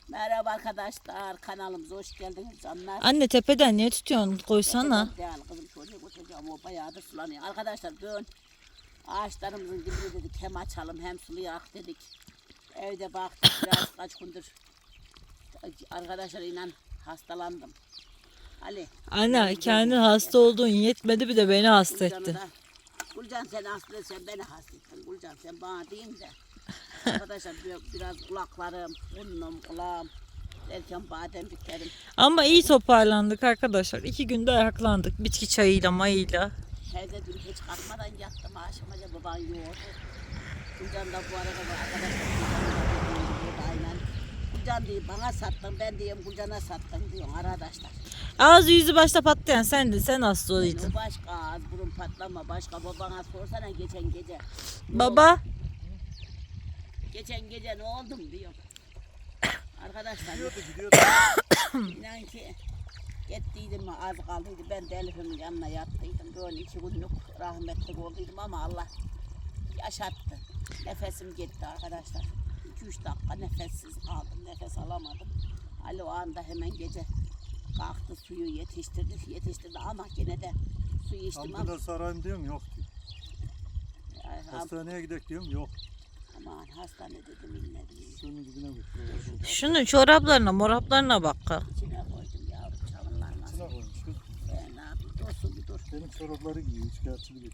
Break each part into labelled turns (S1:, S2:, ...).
S1: Merhaba arkadaşlar, kanalımıza hoş geldiniz canlar.
S2: Anne tepeden niye tutuyorsun? Koysana.
S1: Değil kızım, çocuğu koşacağım, o bayağıdır sulanıyor. Arkadaşlar bugün ağaçlarımızın dibini dedik hem açalım hem sulayak dedik. Evde baktık biraz kaç gündür arkadaşlar inan hastalandım. Ali.
S2: Anne kendi hasta olduğun yetmedi bir de beni hasta ettin.
S1: Gülcan sen hasta etsen beni hasta ettin. Gülcan sen bana deyin de. Arkadaşlar biraz kulaklarım, burnum, kulağım derken bademciklerim.
S2: Ama iyi toparlandık arkadaşlar. 2 günde ayaklandık. Bitki çayıyla mayıyla.
S1: Evde dün hiç kalkmadan yattım akşamaca baban yoğurdu. Gülcan da bu arada bu arkadaşlar Gülcan da aynen. Gülcan diyor bana sattın ben diyeyim Gülcan'a sattın diyor arkadaşlar.
S2: Ağzı yüzü başta patlayan sendin. Sen hasta olaydın.
S1: Başka ağız burun patlama başka babana sorsana geçen gece.
S2: Baba.
S1: Geçen gece ne oldum diyor. Arkadaşlar inan ki gittiydim az kaldıydı ben de Elif'imin yanına yattıydım. Böyle 2 günlük rahmetli olduydum ama Allah yaşattı. Nefesim gitti arkadaşlar. 2-3 dakika nefessiz kaldım. Nefes alamadım. Ali o anda hemen gece kalktı suyu yetiştirdi ama gene de suyu içtim.
S3: Ambulans arayayım diyorum yok diyor. Hastaneye gidelim diyorum yok.
S1: Aman hastane dedim inledim.
S3: Şunun dibine götürüyor.
S2: Şunun çoraplarına moraplarına bak.
S1: İçine koydum yavrum çalınlarmaz.
S3: İçine koymuş kız.
S1: Ne yapayım dursun bir dur.
S3: Benim çorapları giyiyor. Üç kağıtçılı gidiyor.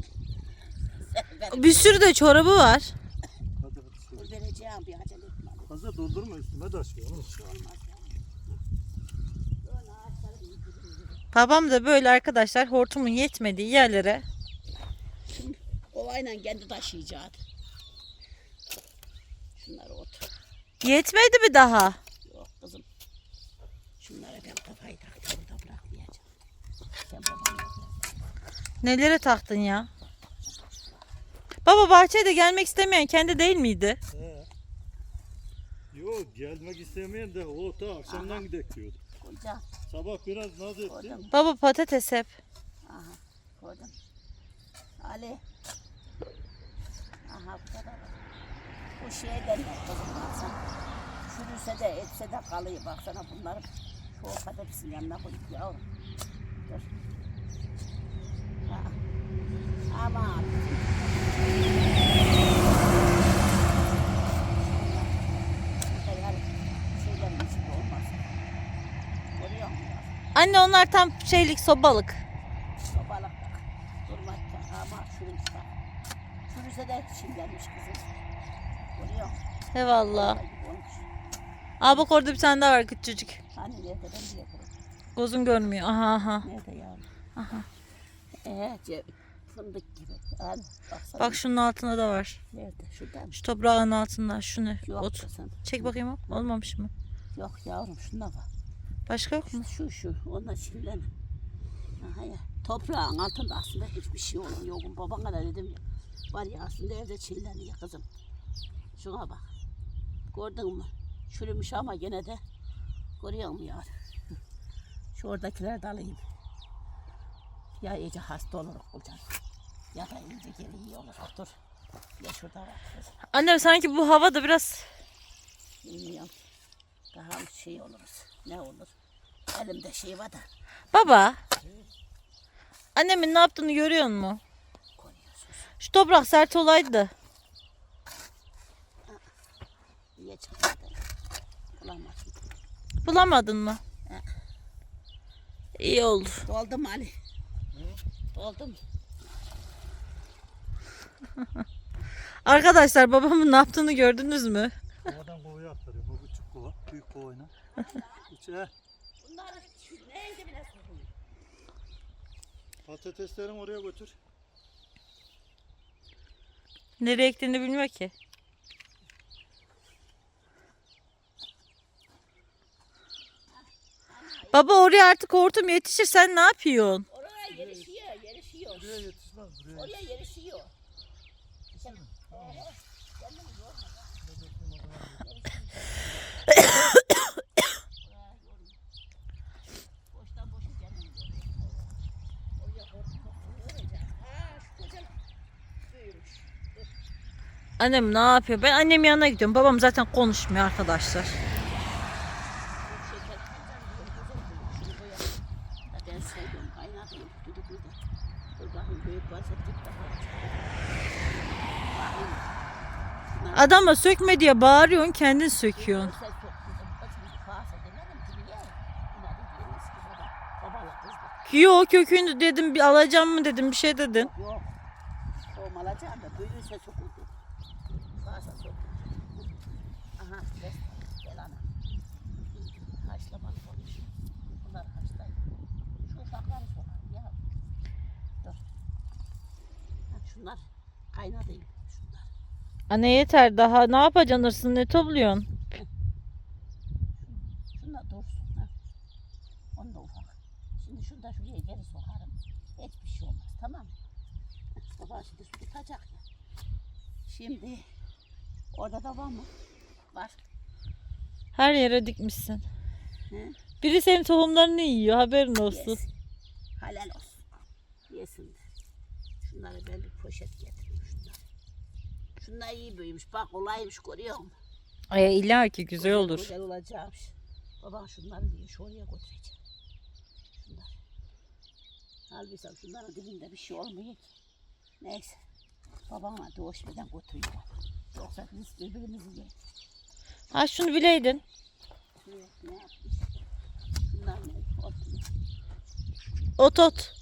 S2: Bir sürü de çorabı var.
S3: Hadi hadi.
S1: Dur vereceğim bir acele etme.
S3: Fazla doldurma üstüme taşıyor.
S1: Bir şey olmaz ya. Böyle ağaçları bir yürü.
S2: Babam da böyle arkadaşlar hortumun yetmediği yerlere.
S1: Şimdi ovayla kendi taşıyacaktı. Şunları otur.
S2: Yetmedi mi daha?
S1: Yok kızım. Şunlara ben kafayı taktım burada bırakmayacağım. Sen babana bak.
S2: Nelere taktın ya? Baba bahçeye de gelmek istemeyen kendi değil miydi?
S3: Yok gelmek istemeyen de o ta akşamdan gidek diyordu.
S1: Koyacağım.
S3: Sabah biraz naz etti.
S1: Koydum.
S2: Baba patates hep.
S1: Aha koydum. Ali. Aha bu kadar. Bu şeyden yok kızım baksana. Çürüse de etse de kalıyor baksana bunları. Şu patatesin yanına koyup yavrum. Dur. Ha. Aman. Şeylerin içinde olmaz. Görüyor musun?
S2: Anne onlar tam şeylik sobalık.
S1: Sobalık bak. Durmakta ama çürümüş bak. Çürüse de çimlenmiş kızım. Görüyor musun?
S2: Eyvallah.
S1: Vallahi gibi olmuş.
S2: Aa bak orada bir tane daha var küçücük.
S1: Hani nerede ben bile görüyorum.
S2: Gözün görmüyor. Aha aha.
S1: Nerede yavrum?
S2: Aha.
S1: Fındık gibi. Hani baksana.
S2: Bak şunun altında da var.
S1: Nerede? Şuradan.
S2: Şu toprağın altında. Şu ne?
S1: Yok
S2: Ot.
S1: kızım.
S2: Çek bakayım o. Olmamış mı?
S1: Yok yavrum şuna bak.
S2: Başka yok mu?
S1: Şu. Onunla çimlen. Aha ya. Toprağın altında aslında hiçbir şey olmuyor. Babana da dedim ya. Var ya aslında evde çilleniyor kızım. Şuna bak. Gördün mü? Çürümüş ama gene de görüyor musun yavrum? Şu oradakileri de alayım. Ya iyice hasta oluruz hocam. Ya da iyice geri iyi oluruz. Dur. Ya şurada var kızım.
S2: Annem sanki bu hava da biraz...
S1: Bilmiyorum. Daha şey oluruz. Ne olur? Elimde şey var da
S2: Baba. Annemin ne yaptığını görüyor musun?
S1: koyuyorsunuz.
S2: Şu toprak sert olaydı.
S1: Niye çıkmadı? Bulamadım.
S2: Bulamadın mı? İyi oldu.
S1: Doldu mu Ali? Doldu mu?
S2: Arkadaşlar babamın ne yaptığını gördünüz mü?
S3: Kovadan kovaya aktarıyor. Bu küçük kova. Büyük kovayla. İçe.
S1: Bunları neydi bile sorun?
S3: Patateslerini oraya götür.
S2: Nereye ektiğini bilmiyor ki. Baba oraya artık hortum yetişir. Sen ne yapıyorsun?
S1: Oraya yerişiyor.
S3: Buraya yetişmez. Buraya
S1: Oraya yerişiyor. Boştan boşa gelmiyor. Oraya hortum. Ha şu koca büyümüş.
S2: Annem ne yapıyor? Ben annem yanına gidiyorum. Babam zaten konuşmuyor arkadaşlar. Adama sökme diye bağırıyorsun, kendin söküyorsun.
S1: Sen çok kızım, kızım kalsa demedim ki bir yer. Buna da diyoruz ki babalık kızdı.
S2: Yok kökünü dedim, bir alacağım mı dedim, bir şey dedin.
S1: Yok. Tohum alacağım da büyüyse sokuldu. Kalsa sokuldu. Aha ses. Gel ana. Haşlamalı olmuş. Bunlar haşlayın. Şu ufakları sokar ya. Dur. Ha, şunlar kaynadayım. Şunlar.
S2: Anne yeter daha, ne yapacaksın hırsını, ne topluyorsun?
S1: Şunlar dursun. Ha. Onu da ufak. Şimdi şunu da şuraya geri sokarım. Hiçbir şey olmaz. Tamam mı? Baba şimdi su tutacak ya. Şimdi orada da var mı? Var.
S2: Her yere dikmişsin.
S1: He?
S2: Biri senin tohumlarını yiyor, haberin olsun.
S1: Yesin. Halal olsun. Yesin de. Şunları ben bir poşet getireyim şunları. Şunlar iyi büyümüş. Bak kolaymış görüyor musun?
S2: Ay illa ki güzel olur.
S1: Güzel olacakmış. Baban şunları diye şu oraya götüreceğim. Şunlar. Halbuki şunların dibinde bir şey olmuyor ki. Neyse. Babama doğuşmadan götürüyor. Yoksa biz birbirimizi yiyelim.
S2: Ha şunu bileydin.
S1: Ne yapmış? Şunlar ne? Olsun.
S2: Ot.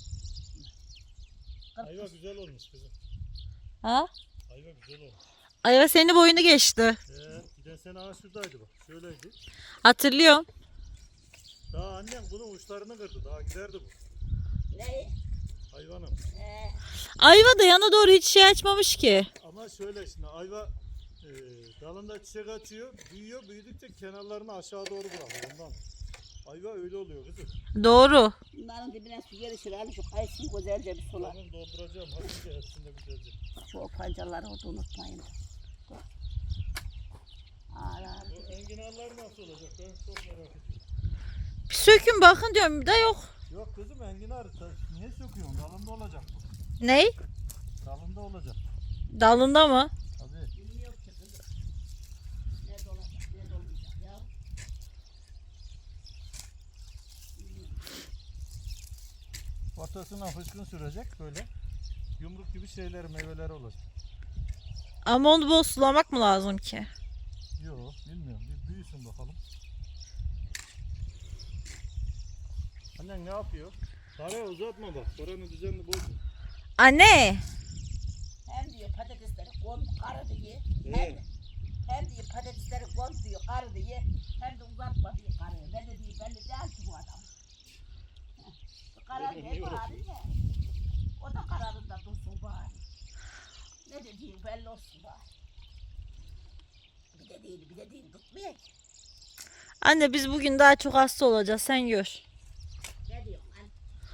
S3: Ayva güzel olmuş kızım.
S2: Ha?
S3: Ayva güzel olmuş.
S2: Ayva senin boyunu geçti.
S3: Giden sene ağaç şuradaydı bak. Şöyleydi.
S2: Hatırlıyorum.
S3: Daha annem bunun uçlarını kırdı. Daha giderdi bu.
S1: Ne?
S3: Hayvanım.
S2: Ayva da yana doğru hiç şey açmamış ki.
S3: Ama şöyle şimdi ayva dalında çiçek açıyor. Büyüyor. Büyüdükçe kenarlarını aşağı doğru bırakıyor. Ondan. Ayva öyle oluyor kızım.
S2: Doğru.
S1: Bunların dibine su gelişir. Hani şu kayısıyı güzelce bir sular.
S3: Tamam dolduracağım. Hafifçe hepsinde güzelce.
S1: Şu pancarları orada unutmayın. Dur. Ağlar.
S3: Bu enginarlar nasıl olacak? Ben çok merak ediyorum.
S2: Bir sökün bakın diyorum da yok.
S3: Yok kızım enginar. Niye söküyorsun? Dalında olacak bu.
S2: Ney?
S3: Dalında olacak.
S2: Dalında mı?
S3: Tabii.
S1: Bilmiyorum ki kızım. Ne dolacak, ne dolmayacak ya.
S3: Ortasına fıskın sürecek böyle. Yumruk gibi şeyler, meyveler olacak.
S2: Ama onu bol sulamak mı lazım ki?
S3: Yok bilmiyorum. Bir büyüsün bakalım. Annen ne yapıyor? Saraya uzatma bak. Oranı düzenli bozma.
S2: Anne.
S1: Hem diyor patatesleri kon karı diye.
S3: Evet.
S1: Hem diyor patatesleri kon diyor karı diye. Hem de uzatma diyor karıya. Ben de diyor belli değil ki bu adam. Bu karar ne bari ne? O da kararında dursun bari. Ne dediğin belli olsun bari. Bir de değil tutmuyor ki.
S2: Anne biz bugün daha çok hasta olacağız, sen gör.
S1: Ne diyorsun hani?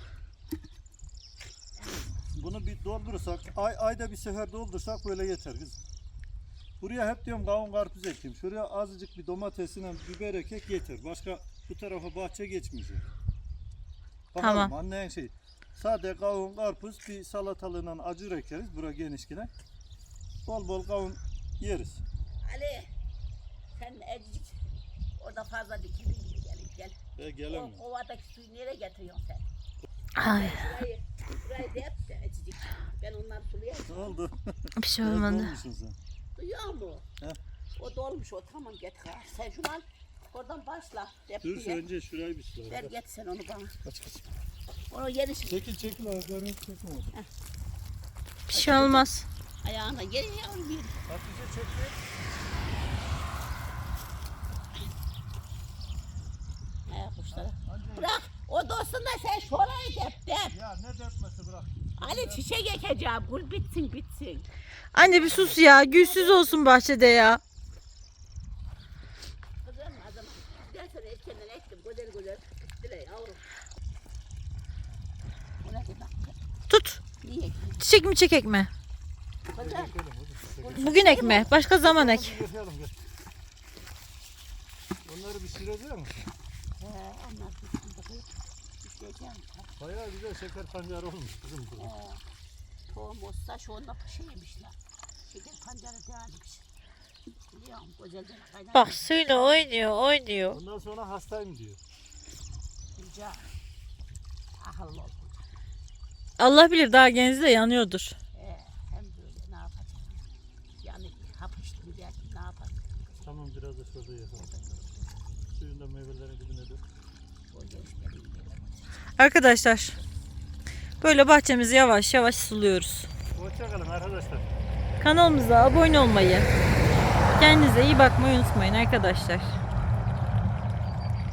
S3: Bunu bir doldurursak, ayda bir sefer doldursak böyle yeter kızım. Buraya hep diyorum kavun karpuz ekeyim. Şuraya azıcık bir domatesine biber ekek yeter. Başka bu tarafa bahçe geçmeyecek. Bakalım,
S2: Tamam.
S3: annen şey. Sade kavun karpuz bir salatalığına acır ekeriz. Bura genişkine. Bol bol kavun yeriz.
S1: Ali sen ecik orada fazla dikildin gibi gel.
S3: Gelemiyorum.
S1: O kovadaki suyu nereye getiriyorsun sen?
S2: Ay,
S1: Burayı da yap da ecik. Ben onları sulayayım.
S3: Ne oldu?
S2: bir şey
S3: Biraz
S2: olmadı.
S3: dolmuşsun sen.
S1: Duyuyor musun?
S3: He.
S1: O dolmuş o tamam getir. Sen şunu al. Oradan başla.
S3: Dur
S1: Repliğe.
S3: önce şurayı bir sula.
S1: Ver get sen onu bana.
S3: Kaç kaç.
S1: Onu yeni
S3: Çekil ayaklarını çekme orada.
S2: Bir şey olmaz.
S1: ayağına geri yavrum bir.
S3: Hatice çekme.
S1: Ayak kuşları. Bırak. O dostunda sen şurayı dep.
S3: Ya ne depmesi bırak.
S1: Ali çiçek ekeceğim. Gül bitsin.
S2: Anne bir sus ya, gülsüz olsun bahçede ya.
S1: Kızım adam. Ben sana erkenden ektim. Güzel. Dile yavrum. O ne demek?
S2: Tut.
S1: Niye?
S2: Çiçek mi çekek mi?
S1: Kızım.
S2: Bugün ekme, başka zaman ek.
S3: Yapalım gel. Onları bir süreceğim mi?
S1: Onlar bitsin. İsteyeceğim.
S3: Bayağı güzel şeker pancarı olmuş kızım bu.
S1: Tohum olsa şu anda şeymişler. Şeker pancarı değilmiş. Biliyor musun? Güzelce kaynar.
S2: Bak suyla oynuyor.
S3: Ondan sonra hastayım diyor.
S1: Rica. Akıllı ol.
S2: Allah bilir daha genzi de yanıyordur.
S1: Hem böyle ne yapacağım? Yani hapıştı.
S3: Tamam biraz da şurada yapalım. Suyun da meyvelerin dibine dök.
S2: Arkadaşlar böyle bahçemizi yavaş yavaş suluyoruz.
S3: Hoşçakalın arkadaşlar.
S2: Kanalımıza abone olmayı, kendinize iyi bakmayı unutmayın arkadaşlar.